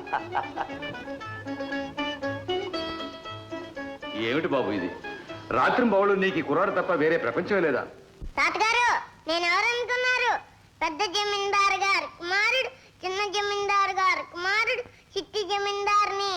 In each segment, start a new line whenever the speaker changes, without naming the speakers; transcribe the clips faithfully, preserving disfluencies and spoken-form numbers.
ఏమిటి బాబు ఇది? రాత్రి బావులు నీకు కుర్రాడు తప్ప వేరే ప్రపంచమే లేదా?
తాతగారు, నేను ఎవరనుకున్నారు? పెద్ద జమీందారు గారు కుమారుడు, చిన్న జమీందారు గారు కుమారుడు, చిట్టి జమీందారుని.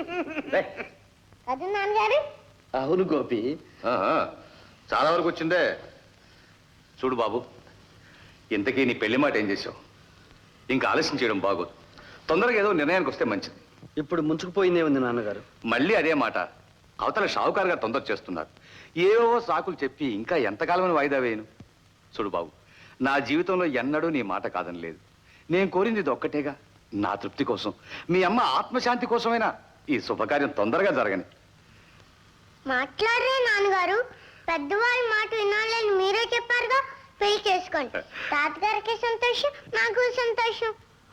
కదా నాన్నగారు?
అవును గోపి.
చాలా వరకు వచ్చిందే. చూడు బాబు, ఇంతకీ నీ పెళ్లి మాట ఏం చేసావు? ఇంకా ఆలస్యం చేయడం బాగోదు. తొందరగా ఏదో నిర్ణయానికి వస్తే మంచిది.
ఇప్పుడు ముంచుకుపోయిందే ఉంది నాన్నగారు.
మళ్ళీ అదే మాట. అవతల షావుకారు గారు తొందర చేస్తున్నారు. ఏవో సాకులు చెప్పి ఇంకా ఎంతకాలమని వాయిదా వేయను? చూడు బాబు, నా జీవితంలో ఎన్నడూ నీ మాట కాదని లేదు. నేను కోరింది ఇది ఒక్కటేగా, నా తృప్తి కోసం, మీ అమ్మ ఆత్మశాంతి కోసమైనా ఈ శుభకార్యం తొందరగా జరగని.
మాట్లాడరే నాన్నగారు, పెద్దవారి మాట వినాలని మీరే చెప్పారుగా. పెళ్లి చేసుకోండి. తాతగారికి సంతోషం, నాకు సంతోషం.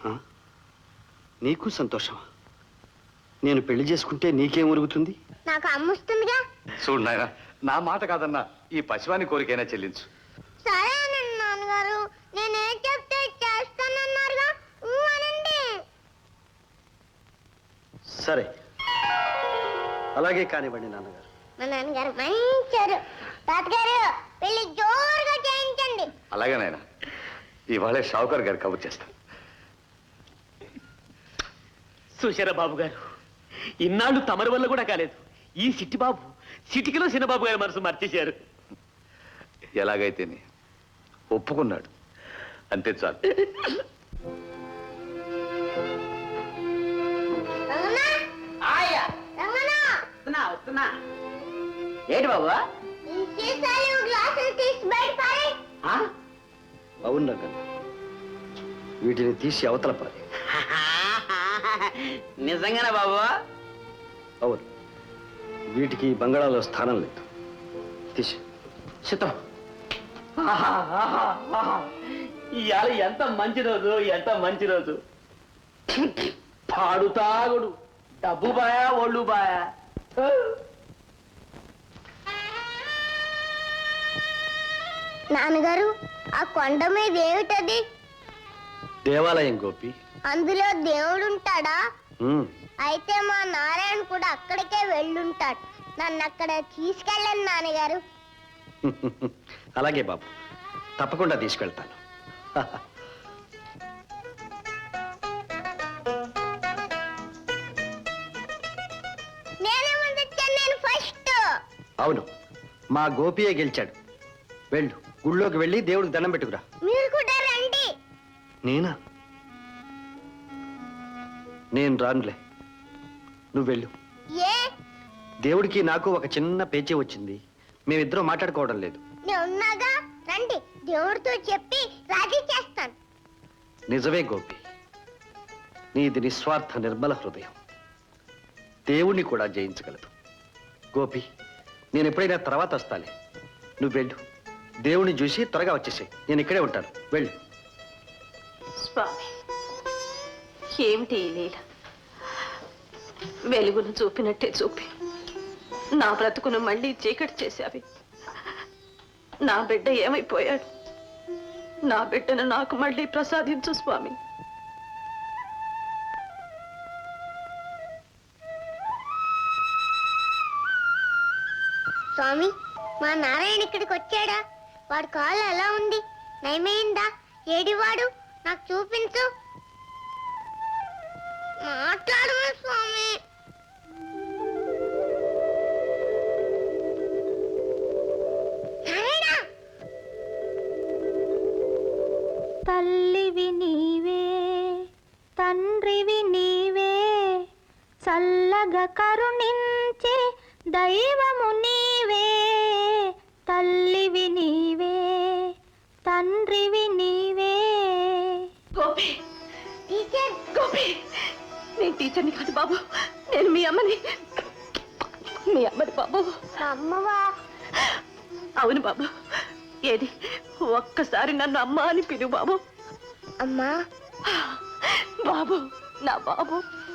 నీకు సంతోషమా? నేను పెళ్లి చేసుకుంటే నీకేం ఉరుగుతుంది?
నాకు అమ్ముస్తుందిగా.
చూడు నాయన, నా మాట కాదన్నా ఈ పశువాని కోరికైనా చెల్లించు.
సరేనండి నాన్నగారు, నేనేం చెప్తే చేస్తానన్నారుగా, అనండి.
సరే, అలాగే కానివ్వండి నాన్నగారు.
మా నాన్నగారు మంచారు. తాతగారు, పెళ్లి జోరుగా చేయించండి.
అలాగే నాయన, ఇవాళే షావుకారు గారు కబుర్ చేస్తాను.
సుశర బాబు గారు, ఇన్నాళ్ళు తమరి వల్ల కూడా కాలేదు. ఈ సిట్టి బాబు సిటికిలో చిన్నబాబు గారి మనసు మర్చేశారు.
ఎలాగైతేనే ఒప్పుకున్నాడు, అంతే చాలు.
ఏంటి బాబు?
అవును రంగన్న, వీటిని తీసి అవతల పాలి.
నిజంగానే బాబు?
అవును, వీటికి బంగాళాలో స్థానం లేదు. తీసి
చిత్తం. ఇవాళ ఎంత మంచి రోజు, ఎంత మంచి రోజు. పాడు తాగుడు, డబ్బు బాయా, ఒళ్ళు బాయా.
నాన్నగారు, ఆ కొండ మీద ఏమిటది?
దేవాలయం గోపి.
అందులో దేవుడు ఉంటాడా?
ఉమ్,
అయితే మా నారాయణ కూడా అక్కడికే వెళ్ళుంటాడు. నన్ను అక్కడ తీసుకెళ్ళండి నాన్నగారు.
అలాగే బాబు, తప్పకుండా తీసుకెళ్తాను.
నేనే ముందు వచ్చాను, నేను ఫస్ట్.
అవును, మా గోపియే గెలిచాడు. వెళ్ళు, గుళ్ళోకి వెళ్ళి దేవుడికి దండం పెట్టుకురా.
మీరు కూడా రండి.
నేనా? నేను రానులే, నువ్వు వెళ్ళు.
ఏ?
దేవుడికి నాకు ఒక చిన్న పేచీ వచ్చింది. మేమిద్దరం మాట్లాడుకోవడం లేదు.
నేను ఉన్నాగా, రండి. దేవుడితో చెప్పి రాజీ చేస్తాను.
నిజమే గోపి, నీది నిస్వార్థ నిర్మల హృదయం దేవుణ్ణి కూడా జయించగలదు. గోపి, నేను ఎప్పుడైనా తర్వాత వస్తాలే. నువ్వు వెళ్ళు, దేవుణ్ణి చూసి త్వరగా వచ్చేసాయి. నేను ఇక్కడే ఉంటాను, వెళ్ళు.
స్వామి, ఏమిటి ఈ లీల? వెలుగును చూపినట్టే చూపి నా బ్రతుకును మళ్ళీ చీకటి చేశావి. నా బిడ్డ ఏమైపోయాడు? నా బిడ్డను నాకు మళ్ళీ ప్రసాదించు స్వామి.
స్వామి, మా నారాయణ ఇక్కడికి వచ్చాడా? వాడి కాలు ఎలా ఉంది? నయమైందా? ఏడివాడు? నాకు చూపించు. మాట్లాడమా స్వామి.
తల్లివి నీవే, తండ్రివి నీవే, చల్లగా కరుణించే దైవము నీవే. తల్లివి నీవే, తండ్రివి నీవే.
గోపి,
టీచర్.
గోపి, నేను టీచర్ని కాదు బాబు, నేను మీ అమ్మని. మీ అమ్మని బాబు.
అమ్మవా?
అవును బాబు. ఏది, ఒక్కసారి నన్ను అమ్మ అని పిలువు బాబు.
అమ్మా.
బాబు, నా బాబు.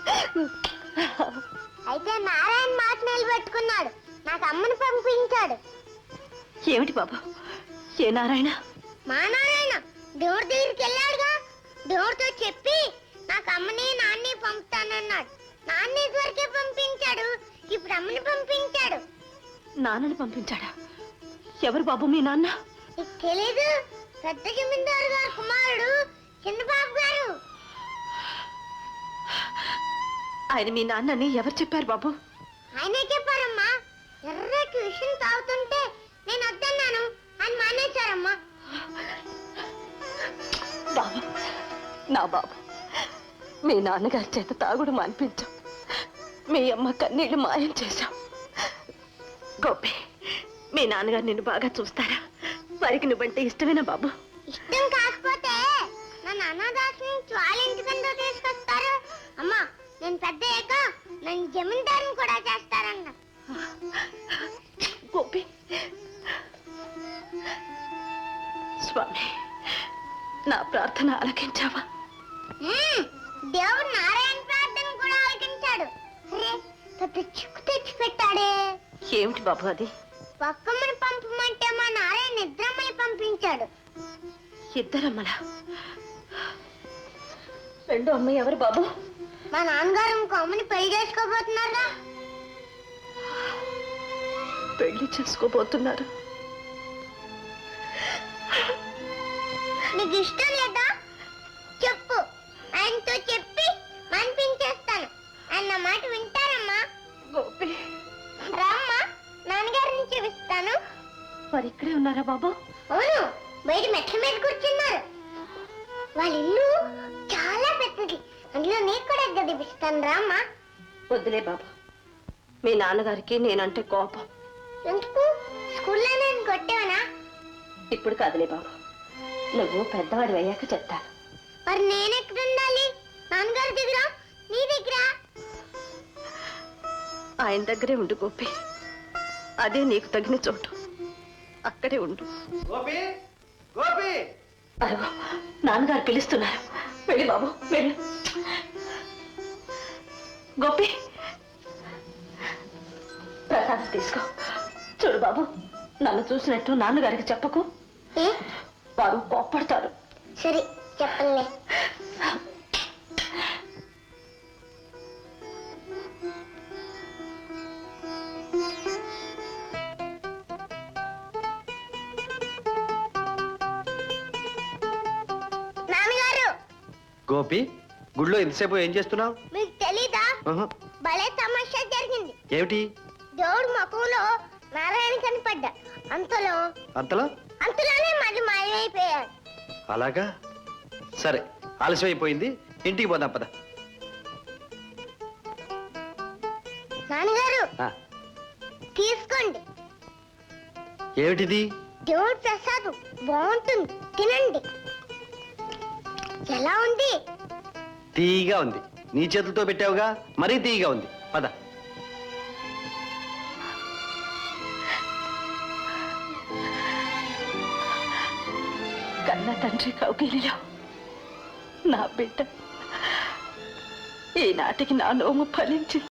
అయితే నారాయణ మాట నిలబెట్టుకున్నాడు, నాకు అమ్మని పంపించాడు.
ఏమిటి బాబు? ఏ నారాయణ?
మా నారాయణ దేవుడి దగ్గరికి వెళ్ళాడుగా. దేవుడితో చెప్పి నాకు అమ్మని నాన్ని పంపుతానన్నాడు. నాన్ని వరకే పంపించాడు, ఇప్పుడు అమ్మని పంపించాడు.
నాన్నని పంపించాడా? ఎవరు బాబు మీ నాన్న?
నీకు తెలీదు? పెద్ద జమీందారు గారు కుమారుడు చిన్నబాబు గారు.
ఆయన మీ నాన్నని ఎవరు చెప్పారు బాబు?
ఆయనే చెప్పారమ్మా. ఎర్రటి విషయం తాగుతుంటే నేను వద్దన్నాను, ఆయన మానేశారమ్మా.
బాబు, నా బాబు, మీ నాన్నగారి చేత తాగుడు మానిపించాం, మీ అమ్మ కన్నీళ్లు మాయం చేశాం. గోపి, మీ నాన్నగారు నిన్ను బాగా చూస్తారా? వారికి నువ్వంటే ఇష్టమేనా బాబు?
ఇష్టం కాకపోతే నన్ను అనాథాశ్రమం నుంచి వాళ్ళ ఇంటికందో తీసుకొస్తారు. అమ్మా, నేను పెద్ద అయ్యాక నన్ను జమీందారుని కూడా చేస్తారన్న.
గోపి, స్వామి, నా ప్రార్థన ఆలకించావా?
మ్మ్, దేవుడు నారాయణ ప్రార్థన కూడా ఆలకించాడు. అరే, పెద్ద చిక్కు తెచ్చి పెట్టాడే.
ఏమిటి బాబు అది?
పక్కమ్మని పంపమంటే మా నారాయణ నిద్రమ్మని పంపించాడు.
ఇద్దరమ్మల. రెండో అమ్మ ఎవరు బాబు?
మా నాన్నగారు ఇంకో అమ్మని పెళ్లి చేసుకోబోతున్నారా?
పెళ్లి చేసుకోబోతున్నారు.
నీకు ఇష్టం లేదా చెప్పు, ఆయనతో చెప్పి మనిపించేస్తాను. ఆయన నా మాట వింటారమ్మా.
గోపి,
రామ్మా, నాన్నగారిని చూపిస్తాను.
మరి ఇక్కడే ఉన్నారా బాబు?
అవును, బయట మెట్ల మీద కూర్చున్నారు. వాళ్ళ ఇల్లు చాలా పెద్దది, అందులో నీకు కూడా గదిపిస్తాను. రామ్మా.
వద్దులే బాబు, మీ నాన్నగారికి నేనంటే కోపం.
ఎందుకు? స్కూల్లో నేను కొట్టేవనా?
ఇప్పుడు కాదులే బాబు, నువ్వు పెద్దవాడు అయ్యాక చెప్తాను.
మరి నేను ఎక్కడ ఉండాలి? నాన్నగారి దగ్గర, నీ దగ్గర?
ఆయన దగ్గరే ఉండు గోపి, అదే నీకు తగిన చోటు. అక్కడే ఉండు.
గోపి, గోపి,
అరుగు, నాన్నగారు పిలుస్తున్నారు. వెళ్ళి బాబు, వెళ్ళు. గోపి, ప్రసాదం తీసుకో. చూడు బాబు, నన్ను చూసినట్టు నాన్నగారికి చెప్పకు,
ఏ?
వారు కోప్పడతారు.
సరే, చెప్పండి. నాన్నగారు,
గోపి, గుడిలో ఎంతసేపు ఏం చేస్తున్నావు?
మీకు తెలీదా?
ఆహా.
భలే తమాషా జరిగింది.
ఏమిటి?
దేవుడు ముఖంలో నారాయణ కనపడ్డా. అంతలో
అంతలా?
అంతలోనే మళ్ళీ మాయమైపోయాడు.
అలాగా? సరే, ఆలస్యం అయిపోయింది, ఇంటికి పోదాం పద.
నాన్నగారు,
ఆ,
తీసుకోండి.
ఏమిటిది?
దేవుడు ప్రసాదం బాగుంటుంది, తినండి. ఎలా ఉంది?
తీయగా ఉంది. నీ చేతులతో పెట్టావుగా, మరీ తీయగా ఉంది. పద.
కన్న తండ్రి కౌగిలిలో నా బిడ్డ ఈనాటికి నా నోము ఫలించింది.